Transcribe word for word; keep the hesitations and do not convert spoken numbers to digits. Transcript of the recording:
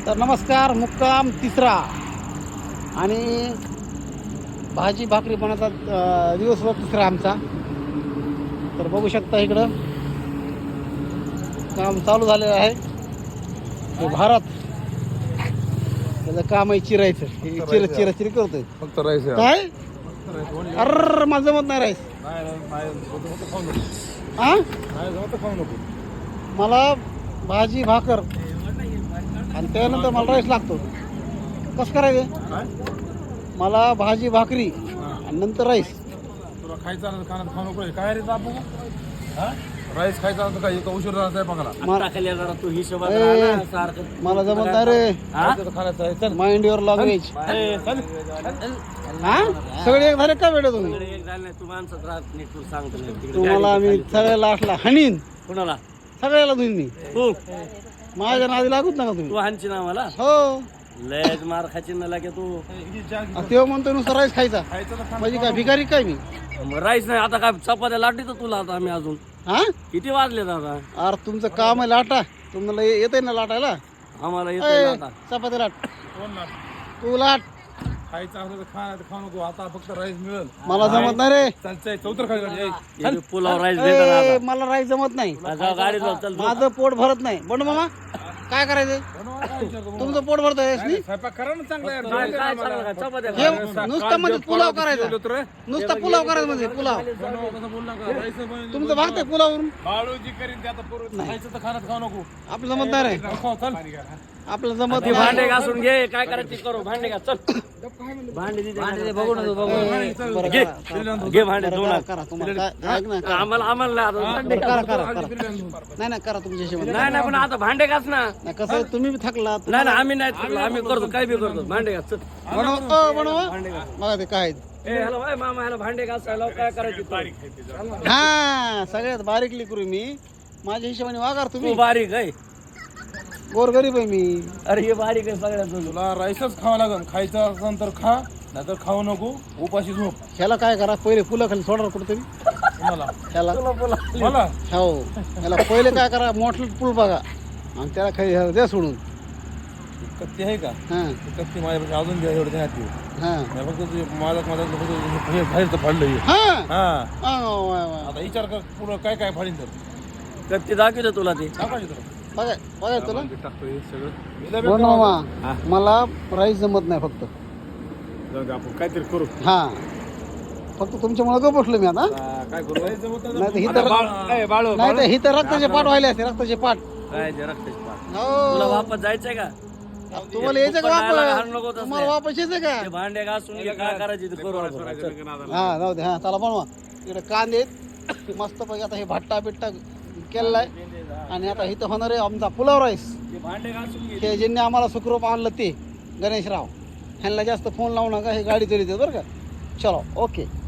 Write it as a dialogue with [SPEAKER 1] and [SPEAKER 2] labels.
[SPEAKER 1] तर नमस्कार. मुक्काम तिसरा आणि भाजी भाकरी बनवता अ, दिवसभर तिसरा आमचा. तर बघू शकता इकडं काम चालू झालेलं आहे. हे भारत त्याचं काम आहे चिरायचं. हे चिर चिरा चिरी करतोय
[SPEAKER 2] फक्त राईस
[SPEAKER 1] काय. अर मला जमत नाही राईस. हा मला भाजी भाकर आणि त्यानंतर मला राईस लागतो. कसं करायचं? मला भाजी भाकरी आणि नंतर राईस.
[SPEAKER 2] तुला खायचा खाण्यात खाऊ नको काय रे बाबू. राईस खायचा तर काय इतका उशीर झाला बघाला.
[SPEAKER 3] तू हिशोबात
[SPEAKER 1] ए,
[SPEAKER 3] राहा ना, सारखं
[SPEAKER 1] मला जमत नाही रे.
[SPEAKER 2] खाण्याचं आहे चल.
[SPEAKER 1] Mind your language.
[SPEAKER 3] ए, चल.
[SPEAKER 1] हा सगळे एक झाले का बेटा तुम्ही?
[SPEAKER 3] तिकडे एक झालं नाही, तू माणसात राहत नीट तू सांगतो नाही. तिकडे
[SPEAKER 1] तुम्हाला
[SPEAKER 3] गाडी
[SPEAKER 1] मी
[SPEAKER 3] खाली.
[SPEAKER 1] सगळ्या लास्टला हनीन.
[SPEAKER 3] कुणाला
[SPEAKER 1] सगळ्याला धुईन मी.
[SPEAKER 3] तू
[SPEAKER 1] माझ्या नादी लागूत नका
[SPEAKER 3] तू
[SPEAKER 1] तुम्ही.
[SPEAKER 3] हाणची ना मला
[SPEAKER 1] हो
[SPEAKER 3] लयच मार खाची ना लागे तू.
[SPEAKER 1] तेव्हा म्हणतो नुसतं राईस खायचा म्हणजे काय भिकारी काय मी?
[SPEAKER 3] मग राईस नाही आता काय चपात्या लाटी तर तुला आता आम्ही अजून
[SPEAKER 1] हा
[SPEAKER 3] किती वाजले आता
[SPEAKER 1] अरे तुमचं काम आहे लाटा. तुम्हाला येते ना लाटायला?
[SPEAKER 3] आम्हाला
[SPEAKER 1] ए,
[SPEAKER 3] येतोय ना आता.
[SPEAKER 1] चपाती लाट. तू लाट.
[SPEAKER 2] खायचं असलं तर खाण्यात खाऊ नको. आता फक्त राईस मिळेल.
[SPEAKER 1] मला जमत नाही रे.
[SPEAKER 2] चालतंय चौतर खायचं.
[SPEAKER 3] हे बी पुलाव राईस भेटत ना
[SPEAKER 1] ए,
[SPEAKER 3] आता.
[SPEAKER 1] मला राईस जमत नाही.
[SPEAKER 3] जाऊ गाडी जाऊ चल तू.
[SPEAKER 1] माझं पोट भरत नाही. बंड मामा काय करायचं? तुमचं पोट भरत आहे
[SPEAKER 2] स्वयंपाक करा ना चांगला यार.
[SPEAKER 3] काय काय चाललं का? चपात्या
[SPEAKER 1] हे
[SPEAKER 3] खा.
[SPEAKER 1] नुसतं म्हणजे पुलाव करायचा. नुसता पुलाव करायचा म्हणजे पुलाव. तुमचं भागतंय पुलावरून.
[SPEAKER 2] बाळूजी करीन ते आता पूर्ण. खायचं तर खाण्यात खाऊ नको.
[SPEAKER 1] आपलं जमत नाही रे.
[SPEAKER 2] खाऊ चल.
[SPEAKER 1] आपलं जमत
[SPEAKER 3] ते
[SPEAKER 1] नाही.
[SPEAKER 3] भांडे घासून घे काय करायची करू. भांडे घास चल. भांडे दे भांडे बघू ना तू बघू.
[SPEAKER 1] बरं
[SPEAKER 3] घे
[SPEAKER 1] करा,
[SPEAKER 3] घे भांडे
[SPEAKER 1] करा,
[SPEAKER 3] दोन
[SPEAKER 1] करा, करा तुम्हाला काय- ऐक ना, करा.
[SPEAKER 3] आम्हाला आम्हाला नाही आता भांडे
[SPEAKER 1] करा
[SPEAKER 3] घास.
[SPEAKER 1] करा करा नाही नाही करा तुमच्या हिशोबाने.
[SPEAKER 3] नाही नाही पण आता भांडे घास ना.
[SPEAKER 1] नाही कसं आहे, तुम्ही बी थकला.
[SPEAKER 3] नाही ना आम्ही नाही थकलो. आम्ही करतो काय बी करतो. भांडे घास चल.
[SPEAKER 1] बनव अ, बनवा बघा ते काय आहे.
[SPEAKER 3] ए ह्याला बाय मामा ह्याला भांडे घासायला काय करायची तू?
[SPEAKER 1] हा सगळ्यात बारीकली करू मी. माझ्या हिशोबाने वागार
[SPEAKER 3] तू
[SPEAKER 1] तुम्ही.
[SPEAKER 3] बारीक आहे.
[SPEAKER 1] गोरगरीब आहे मी.
[SPEAKER 3] अरे हे बारीक आहे सगळ्यात तुझं.
[SPEAKER 2] तुला राईसच खावं लागेल. खायचं असेल तर खा नाहीतर खाऊ नको. उपाशी झोप.
[SPEAKER 1] ह्याला काय करा पहिले फुलं खाली सोडा कुठेतरी
[SPEAKER 2] तुम्हाला
[SPEAKER 1] ह्याला.
[SPEAKER 2] मला
[SPEAKER 1] हो ह्याला पहिले काय करा मोठं पूल बघा आणि त्याला खाली ह्याला द्या सोडून.
[SPEAKER 2] कत्ती आहे का?
[SPEAKER 1] हा
[SPEAKER 2] कत्ती माझ्यापाशी अजून घ्या एवढं नाही.
[SPEAKER 1] हा
[SPEAKER 2] फक्त तुझे माझं माझं हे बाहेरचं फाडलं हे.
[SPEAKER 1] हा
[SPEAKER 2] हा
[SPEAKER 1] हा, वा, वा.
[SPEAKER 2] आता विचार कर पुढं काय काय फाडीन तर
[SPEAKER 3] कत्ती दाखवतो तुला ते.
[SPEAKER 2] टाकायची तुला.
[SPEAKER 1] बघा बघा तुला
[SPEAKER 2] टाकतो हे सगळं.
[SPEAKER 1] बनवा. मला राईस जमत नाही फक्त.
[SPEAKER 2] जाऊ दे आपण काहीतरी करू.
[SPEAKER 1] हा फक्त तुमच्यामुळे गप बसलो मी आता.
[SPEAKER 2] काय करू?
[SPEAKER 1] नाही तर ही तर
[SPEAKER 2] बाळू
[SPEAKER 1] नाही तर ही तर रक्ताचे पाठ व्हायले असते. रक्ताचे पाठ.
[SPEAKER 3] काय ते रक्ताची पाट. तुला
[SPEAKER 1] हो
[SPEAKER 3] वापस जायचंय का?
[SPEAKER 1] तुम्हाला यायचं का
[SPEAKER 3] हाण नको
[SPEAKER 1] वापस?
[SPEAKER 3] तसले.
[SPEAKER 1] तुम्हाला वापस यायचं का?
[SPEAKER 3] ते भांडे घासून घे काय करायची ते करू आपण. चल.
[SPEAKER 1] हा जाऊ दे. हा चला बनवा. इकडे कांदे आहेत मस्त पैकी. आता हे भट्टा बिट्टा केलेला आहे आणि आता इथं होणार आहे आमचा पुलाव राईस.
[SPEAKER 3] ते भांडे घासून घे.
[SPEAKER 1] हे ज्यांनी आम्हाला सुखरूप आणलं ते गणेशराव ह्यांना जास्त फोन लावू नका. हे गाडी तरी बरं का. चलो ओके.